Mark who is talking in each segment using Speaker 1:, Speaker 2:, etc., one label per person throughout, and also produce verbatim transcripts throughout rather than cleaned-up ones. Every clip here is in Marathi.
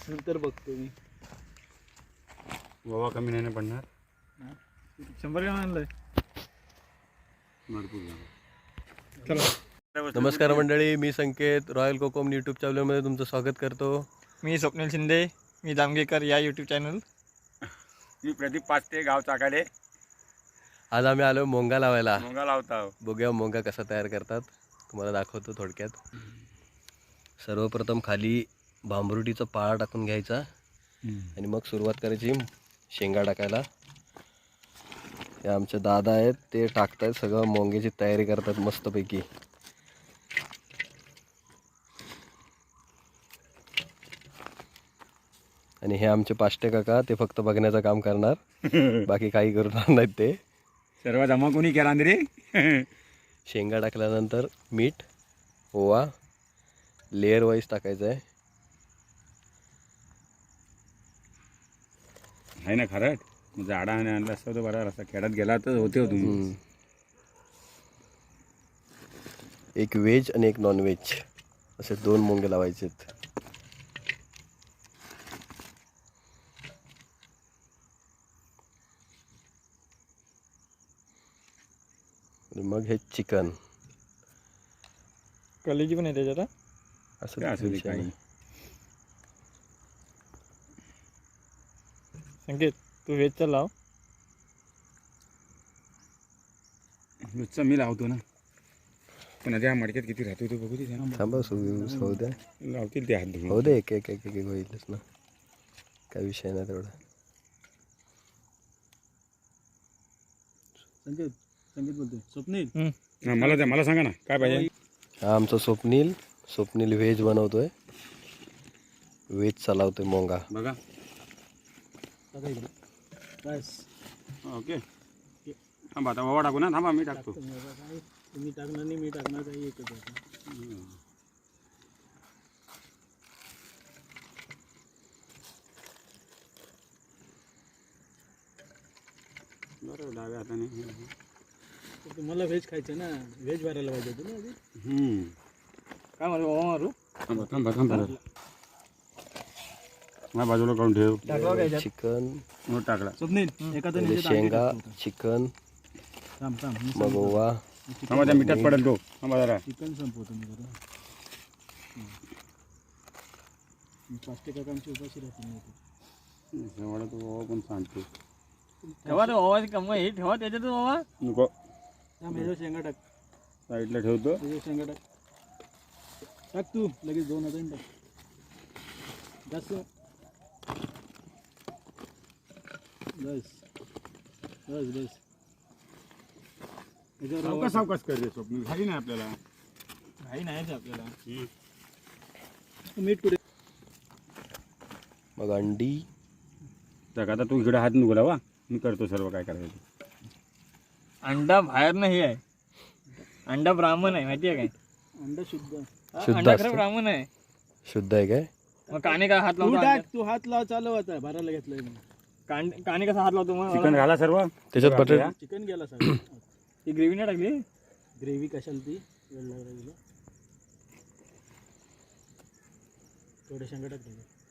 Speaker 1: नंतर बघतो मी.
Speaker 2: गोवा कमी नाही पडणार.
Speaker 1: शंभर ग्राम आणलंय.
Speaker 3: चला. नमस्कार मंडळी, मी संकेत रॉयल कोकम यूट्यूब चॅनलमध्ये तुमचं स्वागत करतो.
Speaker 1: मी स्वप्नील शिंदे, मी दामगेकर या यूट्यूब चॅनल.
Speaker 2: मी प्रदीप पाचते, गाव चाकाडे.
Speaker 3: आज आम्ही आलो मोंगा लावायला.
Speaker 2: मोंगा लावता.
Speaker 3: बघूया मोंगा कसा तयार करतात, तुम्हाला दाखवतो थोडक्यात. सर्वप्रथम खाली भांबरुटीचा पाळा टाकून घ्यायचा आणि मग सुरुवात करायची शेंगा टाकायला. हे आमचे दादा आहेत, ते टाकतायत सगळं, मोंग्याची तयारी करतात मस्तपैकी. आणि हे आमचे पाष्टे काका, ते फक्त बघण्याचं काम करणार, बाकी काही करणार नाहीत. ते
Speaker 2: सर्व जमा कोणी केला रे.
Speaker 3: शेंगा टाकल्यानंतर मीठ, ओवा लेअर वाईज टाकायचं आहे.
Speaker 2: आहे ना खरंच, म्हणजे आडा आणि आणला असता तर बरा रस्ता खेळात गेला तर होते हो तुम्ही.
Speaker 3: एक व्हेज आणि एक नॉन व्हेज असे दोन मोंगे लावायचे आहेत. मग हे चिकन
Speaker 1: कलेजी पण आहे त्याच्यात.
Speaker 3: असं
Speaker 2: काय असू दे काही.
Speaker 1: संकेत, तू व्हेजचा लाव.
Speaker 2: नुसतं मी लावतो ना, पण त्या मडक्यात किती राहतो तो बघू दे.
Speaker 3: थांबा, होऊ द्या,
Speaker 2: लावतील ते हात धुवून.
Speaker 3: होऊ दे, एक एक एक एक होईलच ना, काय विषय नाही तेवढा.
Speaker 1: संकेत संकेत बोलतोय. स्वप्नील,
Speaker 2: हा, मला द्या, मला सांगा ना काय पाहिजे.
Speaker 3: हा आमचा स्वप्नील स्वप्नील व्हेज बनवतोय, व्हेज चालवतोय मोंगा.
Speaker 2: बघा.
Speaker 1: बस
Speaker 2: ओके, थांबा आता ओवा टाकू ना. थांबा मी टाकतो.
Speaker 1: तुम्ही टाकणार नाही, मी टाकणार, काही एकच आहे.
Speaker 2: बरोबर, डाव्या हाताने.
Speaker 1: तुम्हाला व्हेज खायचं ना, व्हेज भरायला पाहिजे होतं ना.
Speaker 2: हम्म,
Speaker 1: काय मारू, ओवा मारू.
Speaker 2: थांबा थांबा थांबा माझ्या बाजूला काढून ठेव.
Speaker 3: चिकन
Speaker 2: मग टाकला.
Speaker 1: स्वप्नील एका
Speaker 3: पहिले शेंगा, चिकन, मग ओवा.
Speaker 2: थांबा, त्या मिठात पडेल तो. थांबा जरा.
Speaker 1: चिकन संपवतो मी जरा. पाचटे काकांची उपाशी राहतील नाही.
Speaker 2: शेवळा तो ओवा पण सांगतो.
Speaker 1: ठेवा तो ओवा, कम हे ठेवा त्याच्यात ओवा.
Speaker 2: नको,
Speaker 1: शेंगा टाक,
Speaker 2: साईडला ठेवतो.
Speaker 1: त्याच्या शेंगा टाक. टाक तू लगेच दोन हजार टाक. जास्त बस बस बस.
Speaker 2: सावकाश सावकाश कर रे स्वप्न, घाई नाही आपल्याला.
Speaker 1: काही नाही आपल्याला. मीठ पुढे.
Speaker 3: मग अंडी.
Speaker 2: तर आता तू इकडे हात नको लावा, मी करतो सर्व काय करायचं.
Speaker 1: अंडा बाहेर नाही आहे, अंडा ब्राह्मण आहे, माहिती आहे काय. अंडा शुद्ध, अंडा खरं ब्राह्मण आहे.
Speaker 3: शुद्ध आहे काय.
Speaker 1: मग काने का हात लावतो. तू हात लाव, चालू आता भरायला घेतलंय. कान काने कसा हात लावतो मग.
Speaker 2: चिकन घाला सर्व
Speaker 3: त्याच्यात बटर.
Speaker 1: चिकन गेला सगळं. ती ग्रेव्ही नाही टाकली. ग्रेव्ही कशाला ती वेळ लागला. थोडे शेंगा टाक,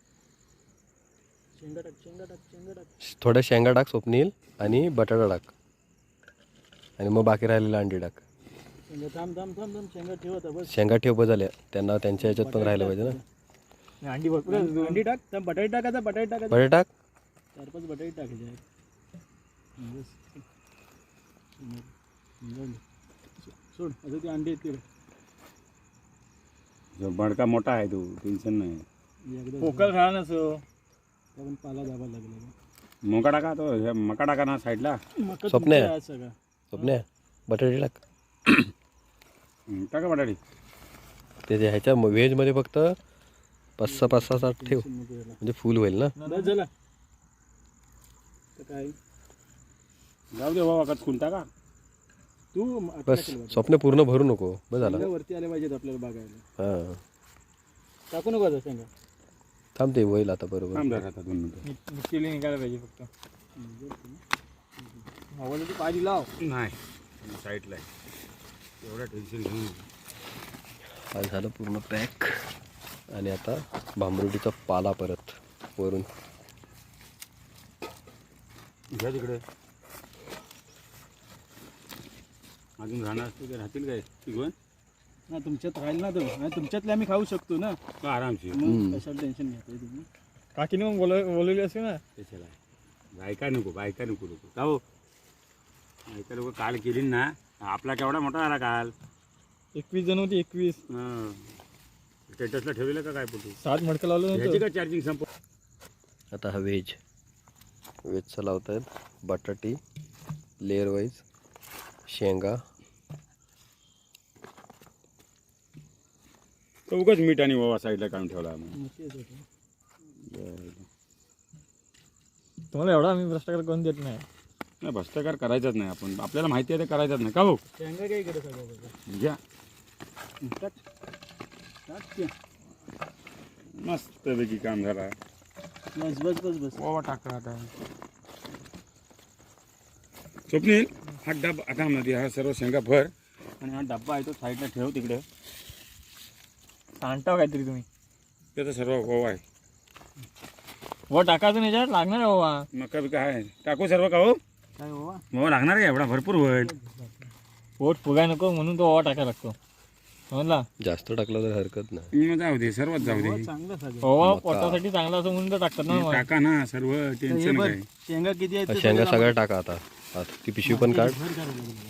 Speaker 1: शेंगा टाक, शेंगा टाक, शेंगा टाक.
Speaker 3: थोड्या शेंगा टाक स्वप्नील, आणि बटाटा टाक, आणि मग बाकी राहिलेला अंडी टाक.
Speaker 1: शेंगा थांब थांब थांब थांब शेंगा ठेव आता बस.
Speaker 3: शेंगा ठेव बस झाल्या, त्यांना त्यांच्या ह्याच्यात पण राहिलं पाहिजे ना.
Speaker 1: अंडी भरपूर, अंडी टाक. तर बटाटे टाकायचा, बटाटे टाकायचा,
Speaker 3: बटाटे टाक.
Speaker 1: चार पाच बटाटे टाकायचे. सोड आता ती अंडी येतील.
Speaker 2: बडका मोठा आहे तो, टेन्शन नाही.
Speaker 1: पोकळ खा नसो, पण पाला दाबा लागला.
Speaker 2: मोका टाका तो, हे मका टाका ना साईडला.
Speaker 3: स्वप्ने स्वप्ने बटाटे टाक.
Speaker 2: टाका बटाटी.
Speaker 3: ते ह्याच्या व्हेजमध्ये फक्त पाच सहा पाच सहा सात ठेव, म्हणजे फुल होईल ना.
Speaker 1: झाला काय
Speaker 2: जाऊ दे बाबा, कचकून टाका
Speaker 1: तू.
Speaker 3: बस, स्वप्न पूर्ण भरू नको, बस झालं.
Speaker 1: वरती आले पाहिजेत आपल्याला बघायला.
Speaker 3: हां,
Speaker 1: टाकू नको आता शेंगा.
Speaker 3: थांब, ते होईल आता बरोबर.
Speaker 2: थांब जरा आता दोन मिनिटं.
Speaker 1: मिक्सीला निघायला पाहिजे फक्त. हवाला ती पाणी लाव.
Speaker 2: नाही साईडला आहे, एवढं टेन्शन घेऊन.
Speaker 3: हा झालं पूर्ण पॅक. आणि आता भांबरुटीचा पाला परत. वरून.
Speaker 2: घ्या तिकडे अजून राहणार असते ते राहतील काय तिघून
Speaker 4: ना तुमच्यात राहील ना तो नाही तुमच्यातले आम्ही खाऊ शकतो ना
Speaker 2: का आरामशीर
Speaker 4: मग कशाला टेन्शन घेताय तुम्ही.
Speaker 1: काकीने मग बोल बोलवली असते ना.
Speaker 2: त्याच्याला बायका नको बायका नको नको का हो बायका नको काल केली ना आपला केवढा मोठा झाला काल
Speaker 1: एकवीस जण होती एकवीस
Speaker 2: हां स्टेटसला ठेवलेलं का काय फोटो
Speaker 1: सात मडकं लावलं
Speaker 2: ह्याची
Speaker 1: नव्हतं.
Speaker 2: का चार्जिंग संप
Speaker 3: आता हा व्हेज व्हेजचा लावत आहेत. बटाटी लेअर वाईज, शेंगा,
Speaker 2: उगाच मीठ आणि ओवा साईडला काढून ठेवला आम्ही.
Speaker 4: मग तेच होतं.
Speaker 1: तुम्हाला एवढा आम्ही भ्रष्टाचार करून देत नाही.
Speaker 2: नाही भ्रष्टाचार करायचाच नाही आपण आपल्याला माहिती आहे ते करायचाच नाही का भाऊ
Speaker 4: शेंगा काय इकडे सगळं
Speaker 2: घ्या
Speaker 4: टाक टाक ते.
Speaker 2: मस्तपैकी काम झाला
Speaker 4: बस बस बस बस
Speaker 1: ओवा टाका आता.
Speaker 2: स्वप्नील हा डबा आता मध्ये हा सर्व शेंगा भर आणि हा डब्बा आहे तो साईडला ठेव तिकडे
Speaker 1: सांगता काहीतरी तुम्ही.
Speaker 2: त्याचा सर्व ओवा आहे
Speaker 1: ओवा टाकायचं नाही याच्यात लागणार आहे ओवा.
Speaker 2: मका बिका आहे टाकू सर्व का हो
Speaker 4: काय बाबा
Speaker 2: ओवा लागणार का एवढा भरपूर होईल
Speaker 1: पोट फुगाय नको म्हणून तो ओवा टाकायला लागतो समजला.
Speaker 3: जास्त टाकलं तर हरकत नाही.
Speaker 2: मग जाऊ दे सर्वच जाऊ दे
Speaker 4: चांगलं सगळं.
Speaker 1: ओवा
Speaker 3: मका.
Speaker 1: पोटासाठी चांगला असं म्हणून तर टाकतात ना मग.
Speaker 2: टाका ना सर्व
Speaker 4: हे
Speaker 2: टेन्शन
Speaker 4: बघ,
Speaker 2: काय
Speaker 4: शेंगा किती आहेत
Speaker 3: हा
Speaker 4: ते
Speaker 3: शेंगा
Speaker 4: सगळं
Speaker 3: सगळ्या टाका आता. आता ती पिशवी पण काढ.
Speaker 4: भर करायला लागेल.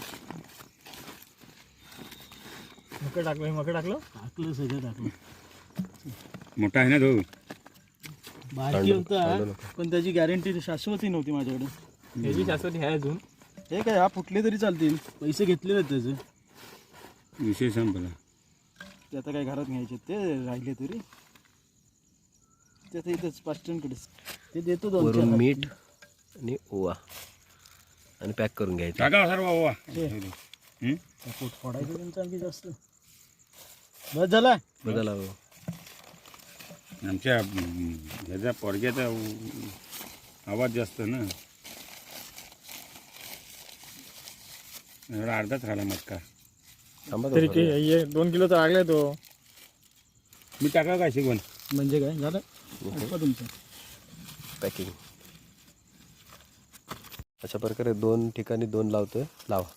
Speaker 1: मकं टाकलं मकं टाकलं
Speaker 4: टाकलं सगळं टाकलं.
Speaker 2: मोठा आहे ना तो
Speaker 4: बारकी
Speaker 3: सांडू-
Speaker 4: होता
Speaker 3: सांडू नका.
Speaker 4: पण त्याची गॅरंटी शाश्वती नव्हती माझ्याकडे.
Speaker 1: ह्याची शाश्वती आहे अजून.
Speaker 4: हे काय हा फुटले तरी चालतील पैसे घेतलेले आहेत त्याचे.
Speaker 2: विषय संपला
Speaker 4: ते आता काय घरात घ्यायचे ते राहिले तरी ते आता इथंच पास्टनकडेच ते देतो दोन
Speaker 3: वरून
Speaker 4: चार.
Speaker 3: मीठ आणि ओवा आणि पॅक करून घ्यायचं.
Speaker 2: टाका सर्व ओवा
Speaker 4: हे.
Speaker 2: हं?
Speaker 4: त्या पोट फोडायचं त्यांचं आणखी जास्त. बस झाला
Speaker 3: बदला
Speaker 2: आमच्या हम्म, ह्याचा पोरग्याचा उ- आवाज जास्त ना एवढा अर्धाच राहिला मटका
Speaker 3: थांबा
Speaker 1: तरी
Speaker 3: थोडं.
Speaker 1: की हे दोन किलोचा लागलाय तो.
Speaker 2: मी टाका काय शिकवण
Speaker 4: म्हणजे काय झालं ऐका तुमचं.
Speaker 3: पॅकिंग अशा प्रकारे दोन ठिकाणी दोन लावतोय. लावा.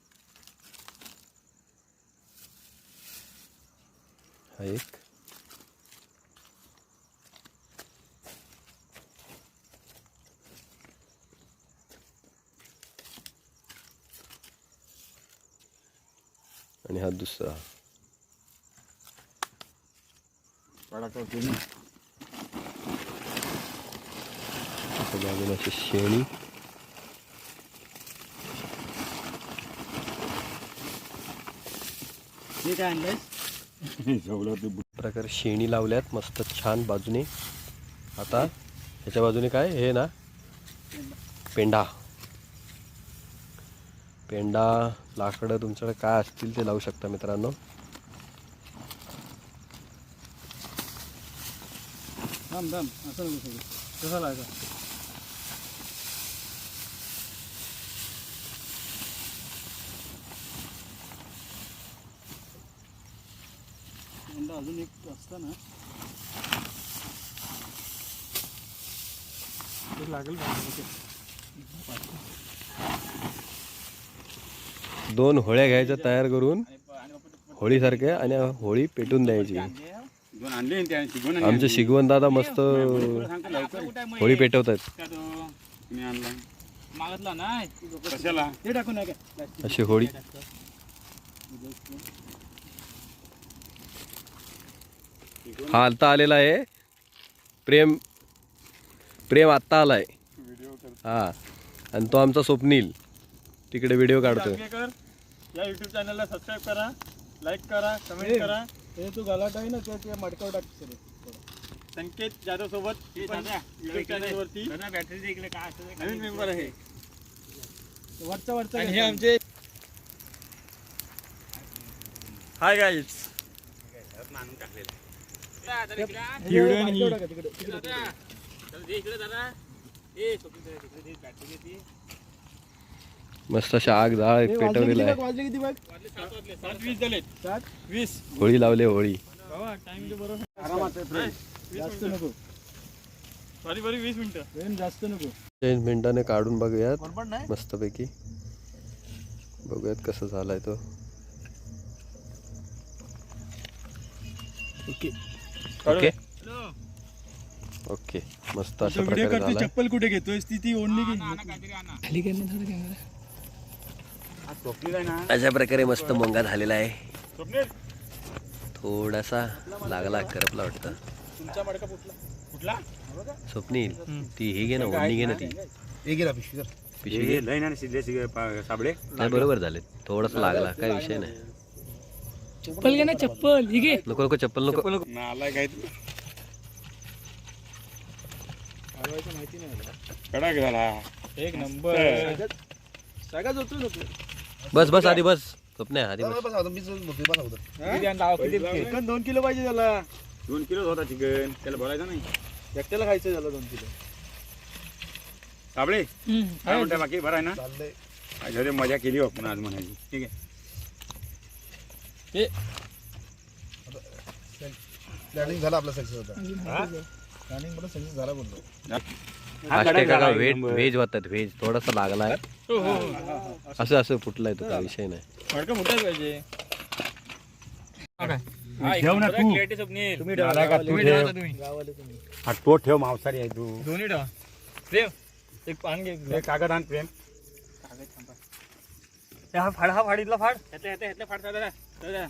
Speaker 3: हा एक आणि हा दुसरा. बाजूला अशी शेणी.
Speaker 4: हे काय आणलंय
Speaker 2: जेवढं ते
Speaker 3: प्रकारे शेणी लावल्यात मस्त छान बाजूने. आता ह्याच्या बाजूने काय हे ना पेंडा. पेंडा लाकडं तुमच्याकडे काय असतील ते लावू शकता मित्रांनो.
Speaker 4: थांब थांब असं नको सगळं कसा लागा. अंडा अजून एक असतं ना
Speaker 1: ते लागेल
Speaker 3: दोन होळ्या घ्यायच्या तयार करून होळीसारख्या आणि होळी पेटून द्यायची.
Speaker 2: दोन आणले ना त्या शिकवण आणि
Speaker 3: आमचे शिगवण दादा मस्त
Speaker 2: सांगतो लवकर
Speaker 3: होळी पेटवतात.
Speaker 2: मी आणला
Speaker 1: मागतला नाही.
Speaker 2: कशाला
Speaker 4: ते टाकून नाही काय
Speaker 3: अशी होळी. हा आत्ता आलेला आहे प्रेम. प्रेम आत्ता आलाय. हा आणि तो आमचा स्वप्नील तिकडे व्हिडिओ काढतोय.
Speaker 1: कर या युट्यूब चॅनलला सबस्क्राईब करा, लाईक करा, कमेंट करा.
Speaker 4: हे तू गलाट आहे ना त्या त्या मडकावर टाक सर.
Speaker 1: संकेत जाधव सोबत युट्यूब चॅनलवरती नवीन मेंबर आहे.
Speaker 4: वरचा वरचा
Speaker 1: आणि हे आमचे हाय गाईज. व्हिडिओ आणि ही.
Speaker 3: मस्त अशा आग जाळ पेटवलेला आहे.
Speaker 4: वाजले किती बघ
Speaker 1: सात वीस झालेत.
Speaker 4: सात
Speaker 1: वीस
Speaker 3: होळी लावले होळी.
Speaker 1: टाइम बरोबर
Speaker 4: आरामात आहे friend. जास्त नको
Speaker 1: बारी बारी वीस मिनिटं.
Speaker 4: वेळ जास्त नको.
Speaker 3: तीन मिनिटाने काढून बघूयात
Speaker 4: बरोबर नाही
Speaker 3: मस्तपैकी. बघूयात कसं झालाय तो.
Speaker 4: ओके.
Speaker 3: ओके ओके मस्त अशा
Speaker 4: व्हिडिओ
Speaker 3: प्रकारे
Speaker 4: करतो.
Speaker 3: झालाय.
Speaker 4: चप्पल कुठे घेतोय ती ती ओढणी की
Speaker 1: खाली करणे थोडं कॅमेरा.
Speaker 2: हा स्वप्नील आहे ना
Speaker 3: अशा प्रकारे मस्त मोंगा झालेला आहे.
Speaker 2: स्वप्नील
Speaker 3: थोडासा लागला करपला वाटतं.
Speaker 4: तुमचा मडका फुटला.
Speaker 2: कुठला
Speaker 3: स्वप्नील ती हे घे ना ओढणी घे ना ती पिशवी घे.
Speaker 2: हे लय ना शिदले शिगे पा- साबळे
Speaker 3: नाही बरोबर झाले. थोडासा लागला काय विषय नाही.
Speaker 1: चप्पल घे ना चप्पल. ही घे.
Speaker 3: नको नको चप्पल नको.
Speaker 2: नालाय काय तू
Speaker 4: हलवायचं माहिती नाही मला.
Speaker 2: कडक झाला
Speaker 4: एक नंबर. सगळ्याच होतो नको.
Speaker 3: बस बस आधी बस. स्वप्न्या आधी बस.
Speaker 4: चिकन दोन किलो पाहिजे त्याला.
Speaker 2: दोन किलो होता चिकन त्याला बोलायचं नाही.
Speaker 4: एकट्याला खायचं झालं दोन किलो.
Speaker 2: साबळे
Speaker 1: हम्म.
Speaker 2: काय म्हणते बाकी बरं आहे ना घरी मजा केली हो आपण आज म्हणायची. ठीक आहे
Speaker 1: हे
Speaker 4: प्लॅनिंग झाला आपला सक्सेस होता. प्लॅनिंग मला सक्सेस झाला बोलतो.
Speaker 3: आष्टे काका व्हेज व्हेज होतात व्हेज. थोडासा लागलाय
Speaker 1: हो हो हो.
Speaker 3: असं असं फुटलाय तो काय विषय नाही.
Speaker 1: मडकं मोठाच पाहिजे.
Speaker 2: ठेव ना तू.
Speaker 1: स्वप्नील.
Speaker 4: तुम्ही
Speaker 2: झाला का तू
Speaker 1: तुम्ही
Speaker 2: ठेव.
Speaker 1: ठेवा तुम्ही.
Speaker 4: गावाला तुम्ही.
Speaker 2: हा तो ठेव मांसाहारी आहे तू.
Speaker 1: दोन्ही ठेवा. प्रेम एक पान घे.
Speaker 2: हे कागद आण प्रेम.
Speaker 1: हे हा फाड हा फाडीतला फाड. ह्यातल्या ह्यातल्या ह्यातल्या फाड दादा. दादा.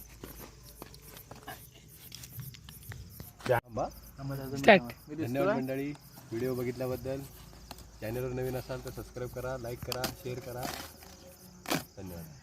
Speaker 3: धन्यवाद मंडळी व्हिडिओ बघितल्याबद्दल. चॅनलवर नवीन असाल तर सबस्क्राईब करा, लाईक करा, शेअर करा. धन्यवाद.